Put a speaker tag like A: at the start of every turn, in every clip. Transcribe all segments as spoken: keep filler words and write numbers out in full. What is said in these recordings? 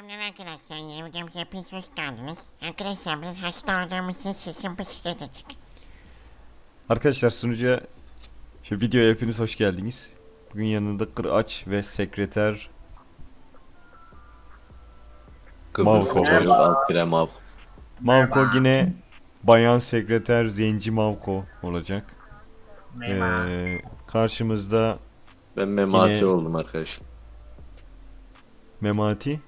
A: Selamlar arkadaşlar, yeni videomuza hepiniz hoş geldiniz. Arkadaşlar ben hasta olduğum için sesim bu size de çık.
B: Arkadaşlar sunucuya şu videoya hepiniz hoş geldiniz. Bugün yanında Kıraç ve sekreter
C: Kıbrıs'ın
B: Mavko.
C: çocuk alt tire mav.
B: Mavko yine bayan sekreter Zenci Mavko olacak. Ee, karşımızda
C: Ben memati
B: Yine-
C: oldum arkadaşlar.
B: Memati,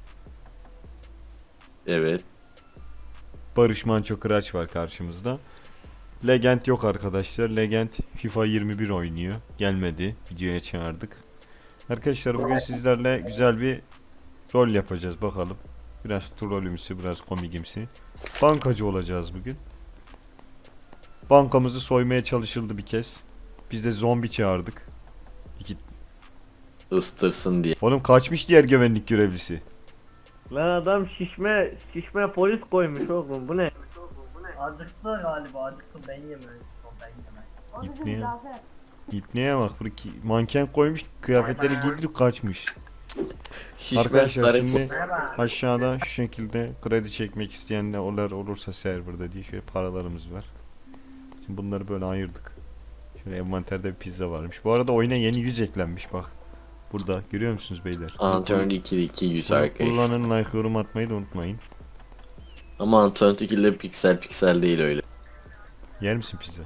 C: Evet.
B: Barış Manço Kıraç var karşımızda. Legend yok arkadaşlar. Legend FIFA yirmi bir oynuyor. Gelmedi. Videoya çağırdık. Arkadaşlar bugün sizlerle güzel bir rol yapacağız bakalım. Biraz trollümsü, biraz komikimsi. Bankacı olacağız bugün. Bankamızı soymaya çalışıldı bir kez. Biz de zombi çağırdık. İki...
C: Istırsın diye.
B: Oğlum kaçmış diğer güvenlik görevlisi.
D: Lan adam şişme şişme polis koymuş oğlum, bu ne?
E: Acıktı galiba, acıktı, ben yemem. Ben yemem.
B: İpneye, İpneye bak. Buradaki manken koymuş, kıyafetleri giydirip kaçmış. Arkadaşlar
C: Şişmanlar
B: şimdi
E: Merhaba.
B: aşağıda şu şekilde kredi çekmek isteyenler onlar olursa serverda diye şöyle paralarımız var. Şimdi bunları böyle ayırdık. Şöyle envanterde bir pizza varmış. Bu arada oyuna yeni yüz eklenmiş bak. Burada görüyor musunuz beyler?
C: Antörn iki iki yüz
B: Bunu
C: arkadaş.
B: kullanın, like, yorum atmayı da unutmayın.
C: Ama Antörn iki de piksel piksel değil öyle.
B: Yer misin pizza?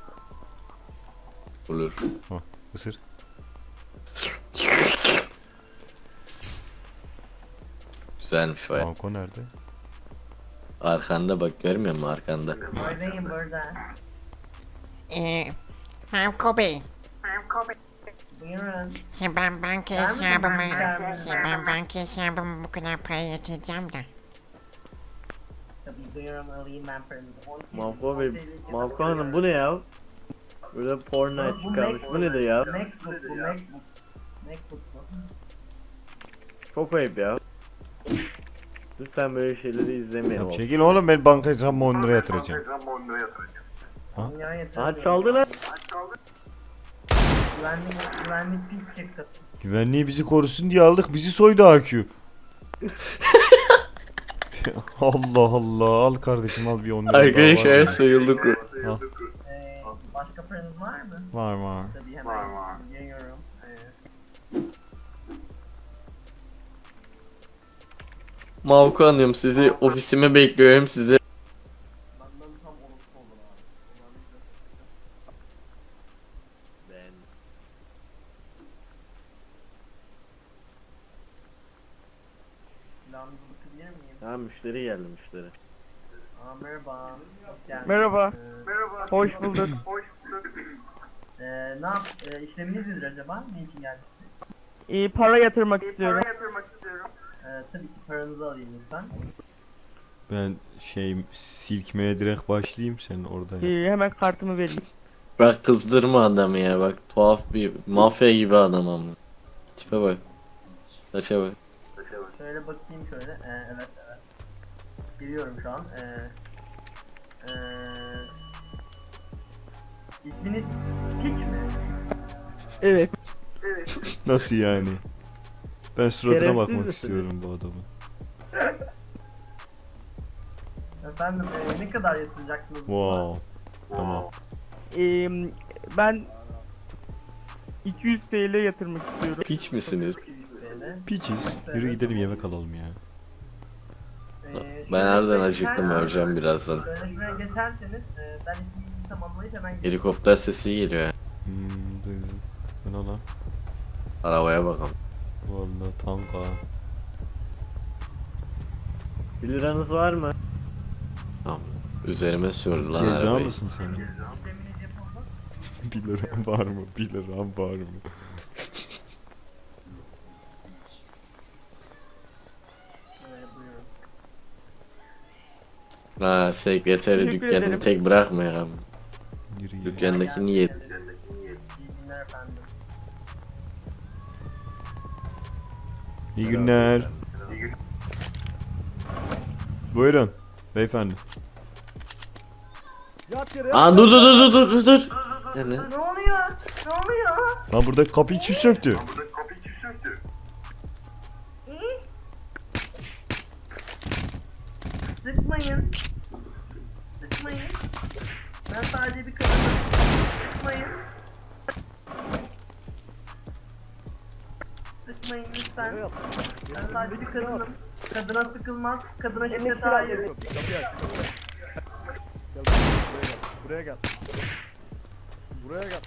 C: Olur.
B: Isır.
C: Güzelmiş baya.
B: Banko nerede?
C: Arkanda bak, görmüyor musun arkanda?
E: Buradayım burada.
A: Eee, Mavko Bey,
E: Buyurun.
A: şey ben banka
E: Ben mi
A: hesabıma,
E: banka?
A: şey ben banka hesabıma bu kadar para yatıracağım da.
E: Tabii buyurun, alayım ben paranızı. on T L,
D: Mavko
E: on
D: Bey,
E: T L
D: Mavko Hanım bu ne ya? Böyle porno
E: Bu
D: çıkarmış,
E: Mac-
D: bu nedir ya?
E: Macbook bu, Macbook. Macbook bu.
D: Çok ayıp ya. Lütfen böyle şeyleri izlemeyin
B: Ya
D: oğlum.
B: çekil oğlum, ben banka hesabıma on lira yatıracağım. Ha?
E: Dünya yeter.
D: Aha çaldı lan.
E: Güvenlik, güvenlik pil çıktı.
B: Güvenliği bizi korusun diye aldık, bizi soydu A Q. Allah Allah, al kardeşim al bir on lira daha var
C: Arkadaşlar
B: mı?
C: sayıldık.
B: Al.
E: Ee, başka paranız var mı?
B: Var var.
E: Tabii hemen geliyorum. Ee,
C: Mavko anıyorum, sizi ofisime bekliyorum sizi.
E: benden tam unutma olur abi.
D: Ben.
E: Silahınızı bakabilir miyim?
D: Ha, müşteri geldi, müşteri.
E: Aa, merhaba. Hoş geldiniz.
F: Merhaba.
E: Ee, merhaba.
F: Hoş bulduk.
E: Ee, ne yap? E, işleminiz nedir acaba? Ne için geldiniz?
F: İyi para yatırmak istiyorum.
E: Ee, tabii ki paranızı alayım lütfen.
B: Ben şey silkmeye direkt başlayayım, sen orada yap.
F: İyi, hemen kartımı vereyim.
C: Bak kızdırma adamı ya, bak tuhaf bir mafya gibi adam ama. Tipe bak. Saça bak.
E: Şöyle bakayım şöyle. Ee, evet evet. Geliyorum şu an. Ee, ee, isminiz Piç mi?
F: Evet.
B: Nasıl yani? Ben suratına
D: Şerefsiz
B: bakmak
D: misiniz?
B: istiyorum bu adamın.
E: Efendim ee, ne kadar yatıracaksınız?
B: Wow. Tamam.
F: Ee, ben iki yüz T L yatırmak istiyorum.
C: Piç misiniz?
E: Böyle.
B: Piçiz. Yürü gidelim yemek alalım ya.
E: Ee,
C: Ben
E: şöyle
C: harbiden
E: geçer-
C: acıktım, öleceğim birazdan.
E: Şöyle şuraya geçerseniz ee, ben isminizi tamamlayıp hemen gelirim.
C: Helikopter sesi geliyor ya.
B: Hmm, duydum. Bu ne lan?
C: Arabaya bakalım.
B: Vallahi tanka.
D: bir liranız var mı?
C: Tamam. Üzerime sürdü lan
B: Ceza
C: arabayı.
B: mısın sen?
E: İşleminiz yapıldı.
B: bir liram var mı? bir liram var mı?
E: Şöyle buyurun.
C: Ha, sekreteri
F: Teşekkür
C: dükkanını
F: ederim.
C: tek bırakmayalım.
B: Yürü ya.
C: Dükkandaki niye?
E: İyi günler efendim.
B: İyi günler. Buyurun beyefendi.
C: Aa dur dur dur dur dur dur. Ne ne?
E: Ne oluyor? Ne oluyor?
B: Lan burada kapıyı kim söktü?
E: Ben sadece bir kadınım. Sıkmayın. Sıkmayın lütfen. Ben sadece bir kadınım. Kadına sıkılmaz. Kadına şiddet hayır.
F: Kapıyı aç. Gel buraya gel. Buraya gel.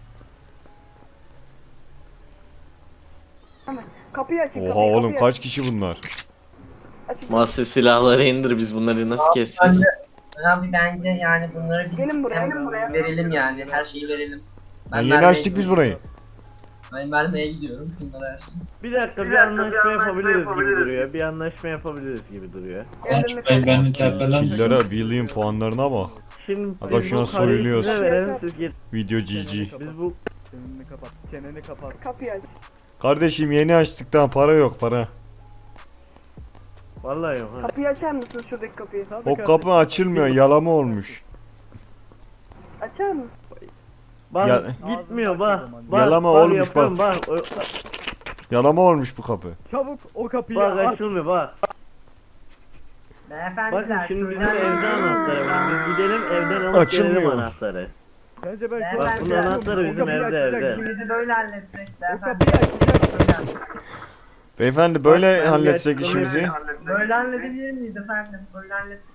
G: Kapıyı açın.
B: Oha
G: kapıyı,
B: oğlum
G: kapıyı
B: kaç kişi bunlar?
G: açın.
C: Masif silahları indir, biz bunları nasıl keseceğiz?
H: Abi bence yani bunları biz
G: Gelin buraya,
H: hem
G: gelin buraya.
H: verelim yani her şeyi verelim.
B: Ben yeni
H: vermeye
B: açtık biz
H: gidiyorum.
B: burayı.
H: Ben vermeye gidiyorum bunlara her şeyi.
D: Bir dakika bir anlaşma yapabiliriz gibi duruyor. Bir anlaşma yapabiliriz gibi duruyor.
G: Ellerini
I: Ben ben
G: kapatın.
I: mütefeller
B: Killere William puanlarına bak.
D: Şimdi
B: Aga
D: biz
B: şuna
D: bu parayı
B: soyuluyoruz.
D: size verelim siz git.
B: Video G G.
D: Biz bu
F: Çeneni kapat. Çeneni kapat.
G: Kapıyı aç.
B: Kardeşim yeni açtık daha para yok para.
D: vallahi yok ha.
G: Kapıyı açar mısın şuradaki kapıyı?
B: O kapı açılmıyor yalama olmuş.
G: Açar mısın?
D: Bak
B: Ya-
D: gitmiyor bak.
F: Ağzını
D: Bak
B: Yalama
D: bak,
B: olmuş,
D: yapıyorum,
B: bak.
D: bak. Bak,
B: Yalama olmuş bu kapı.
F: Çabuk o kapıyı
D: bak
F: aç.
D: açılmıyor bak.
E: Beyefendiler.
D: Bakın şimdi bizim
E: şöyle-
D: evde anahtarı var. Biz gidelim evden alıp
B: Açılmıyor.
D: gelelim anahtarı.
F: Bence ben şu
E: Bak,
F: an-
E: bunun
D: anahtarı
F: O
D: bizim
F: kapıyı
D: evde,
F: açacak.
D: evde.
E: İşimizi böyle halledecek
F: O
E: beyefendi.
F: kapıyı açacak.
B: Beyefendi böyle
D: Bak, ben
B: halletsek
D: bir
B: işimizi.
E: Böyle halledebilir miyiz efendim? Böyle hallettik.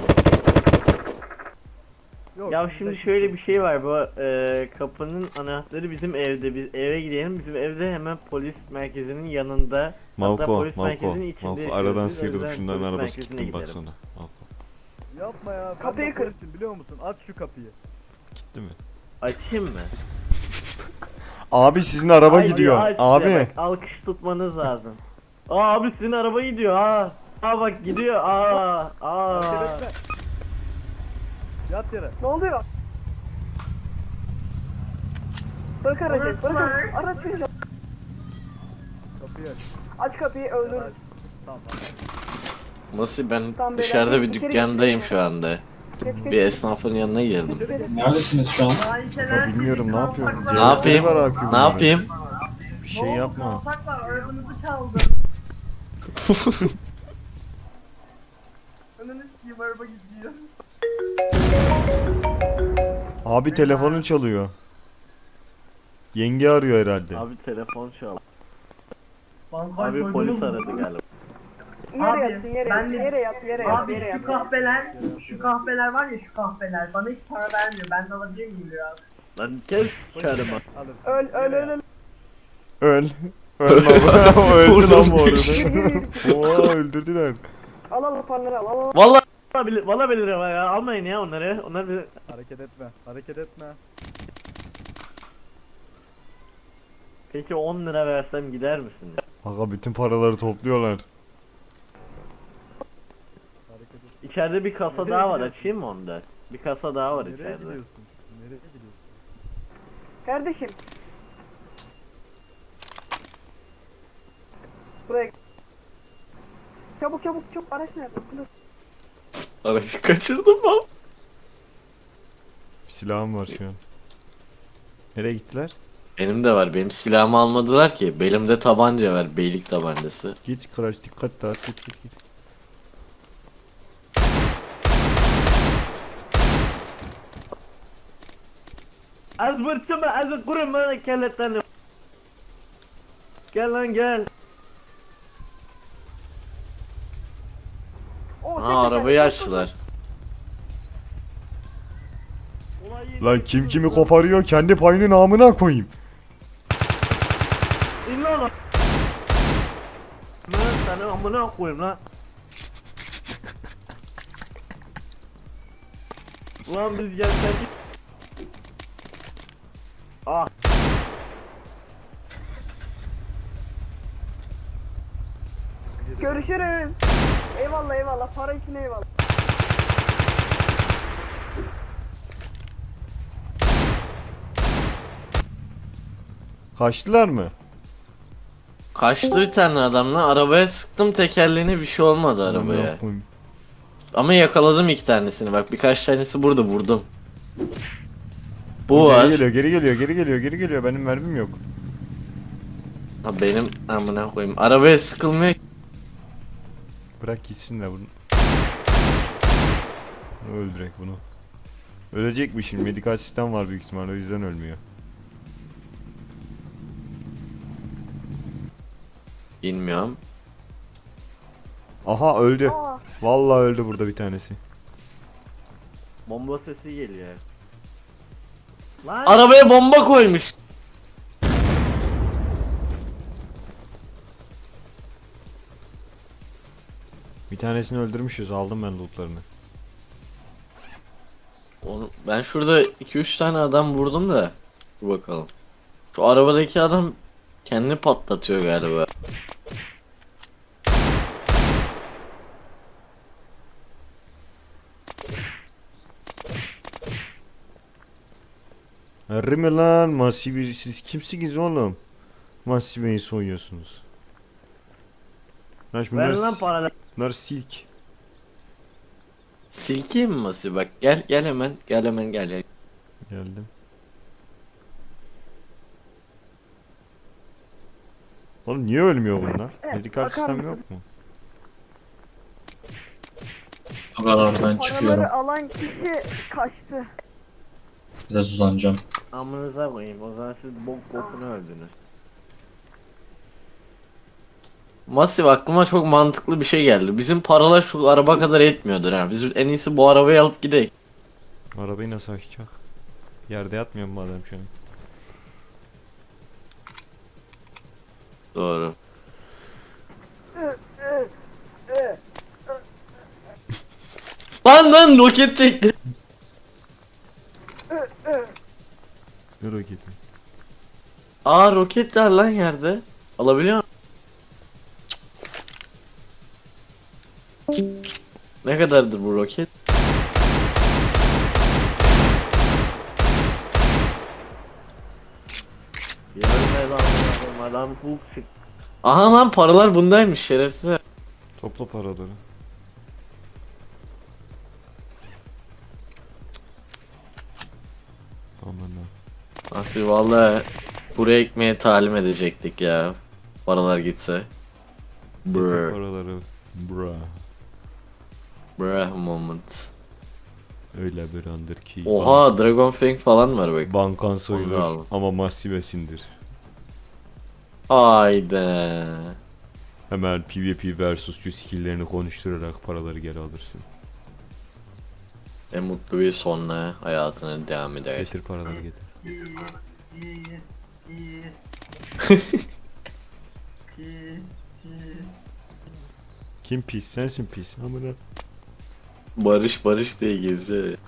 F: Yok,
D: Ya
F: bizde
D: şimdi
F: hiç
D: şöyle
F: yok.
D: bir şey var bu e, kapının anahtarı bizim evde. Biz eve gidelim. Bizim evde hemen polis merkezinin yanında. Hatta
B: Malko,
D: polis
B: Malko,
D: merkezinin içinde
B: Malko
D: yaşıyoruz.
B: aradan
D: Biz, o
B: sıyrılıp
D: yüzden
B: şundan
D: polis
B: arabası
D: merkezine
B: gittim
D: gidelim.
B: baksana. Malko.
F: Yapma ya. Ben
G: Kapıyı
F: de
G: kır.
F: polisim biliyor musun? Aç şu kapıyı.
B: Gitti mi?
D: Açayım mı?
B: Abi sizin araba
D: Ay,
B: gidiyor.
D: aç diye
B: Abi.
D: bak, alkış tutmanız lazım. Aa abi sizin araba gidiyor ha. Aa bak gidiyor. Aa aa.
F: Hareket etme. Yat yere.
G: Ne oluyor? Bırak aracı. Bırak aracı. Araç seni.
F: Kapıyı aç.
G: Aç kapıyı öldür.
F: Aç. Tamam tamam.
C: Nasıl ben
G: Tamam,
C: dışarıda
G: beyler,
C: bir
G: içeri
C: dükkandayım
G: geçin.
C: şu anda.
G: Geç geç.
C: Bir esnafın yanına girdim.
I: Neredesiniz şu an?
B: Ya bilmiyorum ne yapıyorum.
C: Ne yapayım?
B: Var akıyor
C: Ne yapayım?
B: Bir şey yapma.
E: Kalsak var, arabanızı çaldım. Önünü sikeyim, araba gidiyor.
B: Abi telefonun çalıyor. Yenge arıyor herhalde.
D: Abi telefon çal.
E: Vallahi
D: Abi
E: koydunuz
D: polis
E: mu?
D: aradı galiba.
G: Yere
E: Abi,
G: yatsın yere
E: ben
G: yat.
E: de-
G: Yere yat yere yat
E: Abi
G: yere
E: şu
G: yat.
E: kahveler, şu kahveler var ya şu kahveler bana hiç para vermiyor. Ben de alabilir miyim biraz?
D: Lan kes çarımı.
F: Alır.
G: Öl öl öl öl.
B: Öl. Öl baba. Öldü lan bu
C: Vursun.
B: arada. Oha öldürdüler.
G: Al al hoparlörü al al. al.
C: Vallahi
D: Valla bilir, valla bilir ama ya almayın ya onları. Onlar bilir.
F: Hareket etme. Hareket etme.
D: Peki on lira versem gider misin?
B: Aga bütün paraları topluyorlar.
F: Hareket etme.
D: İçeride bir kasa
F: Nereye
D: daha var
F: gidiyorsun?
D: açayım mı onda? Bir kasa daha var
F: Nereye
D: içeride.
F: gidiyorsun? Nereye gidiyorsun?
G: Kardeşim. Buraya. Çabuk çabuk çabuk araç nerede? Dur.
C: aracı kaçırdım ben.
B: Silahım var şu an. Nereye gittiler?
C: Benim de var. Benim silahımı almadılar ki. Belimde tabanca var. Beylik tabancası.
B: Git Kıraç dikkat dağıt git git git.
D: Az vurtuma az kuruma kelletlerini. Gel lan gel.
G: Oo,
C: Ha
G: tek teker,
C: arabayı
G: tek
C: açtılar.
D: Olay yeri-
B: Lan kim kimi koparıyor kendi payını namına koyayım.
D: İn lan. Lan sana amına koyayım lan. Ulan biz gelsek. Ah.
G: Görüşürüz. Eyvallah eyvallah. Para için eyvallah.
B: Kaçtılar mı?
C: Kaçtı bir tane adamla. Arabaya sıktım tekerleğine, bir şey olmadı arabaya.
B: Amına koyayım.
C: Ama yakaladım iki tanesini. Bak birkaç tanesi burada, vurdum. Bu
B: Geri
C: var.
B: geliyor geri geliyor geri geliyor geri geliyor benim mermim yok.
C: Ha, benim amına koyayım. Arabaya sıkılmıyor.
B: Bırak gitsin de bunu. Öl direkt bunu. Ölecekmiş şimdi. Medikal sistem var büyük ihtimalle, o yüzden ölmüyor.
C: Bilmiyorum.
B: Aha öldü.
G: Aa,
B: Vallahi öldü burada bir tanesi.
D: Bomba sesi geliyor. Lan
C: Arabaya bomba koymuş.
B: Bir tanesini öldürmüşüz. Aldım ben lootlarını.
C: Onu, ben şurada iki üç tane adam vurdum da. Dur bakalım. Şu arabadaki adam kendini patlatıyor galiba.
B: Harbi mi lan? Masivi siz kimsiniz oğlum? Masiveyi soyuyorsunuz. Lan
D: ver
B: bunlar,
D: lan paraları.
B: bunlar silk.
C: Silkeyim mi Masi bak gel gel hemen gel hemen gel. gel.
B: Geldim. Oğlum niye ölmüyor bunlar? Medikal
G: bakar
B: sistem
G: mısın?
B: yok mu?
I: Buralardan çıkıyorum.
G: paraları alan kişi kaçtı.
I: Biraz uzanacağım.
D: Amınıza koyayım. O zaman siz bok bokunu öldünüz.
C: Masif aklıma çok mantıklı bir şey geldi. Bizim paralar şu araba kadar etmiyordur ha. Biz en iyisi bu arabayı alıp gidelim.
B: Arabayı nasıl açacak? Yerde yatmıyor mu adam şu an?
C: Doğru. Lan lan roket çekti.
B: Ne roketi?
C: Aa roket var lan yerde. Alabiliyor musun? Ne kadardır bu roket?
D: Yarın lan amına koyayım, adam hook çık.
C: Aha lan paralar bundaymış şerefsiz.
B: Topla paraları. Aman ha.
C: Nasıl valla buraya ekmeğe talim edecektik ya. Paralar gitse.
B: Getir
C: Brr.
B: paraları. Bra.
C: Brr moment.
B: Öyle bir andır ki.
C: Oha Dragon Fang falan var bak.
B: Bankan
C: Onu
B: soyulur
C: da al.
B: ama masivesindir.
C: Haydi.
B: Hemen PvP versusçu skill'lerini konuşturarak paraları geri alırsın.
C: En mutlu bir sonla hayatına devam edersin.
B: Getir paraları getir.
E: İyi, iyi, iyi. İyi, iyi.
B: Kim pis? Sensin pis. Amına.
C: Barış barış diye geziyor.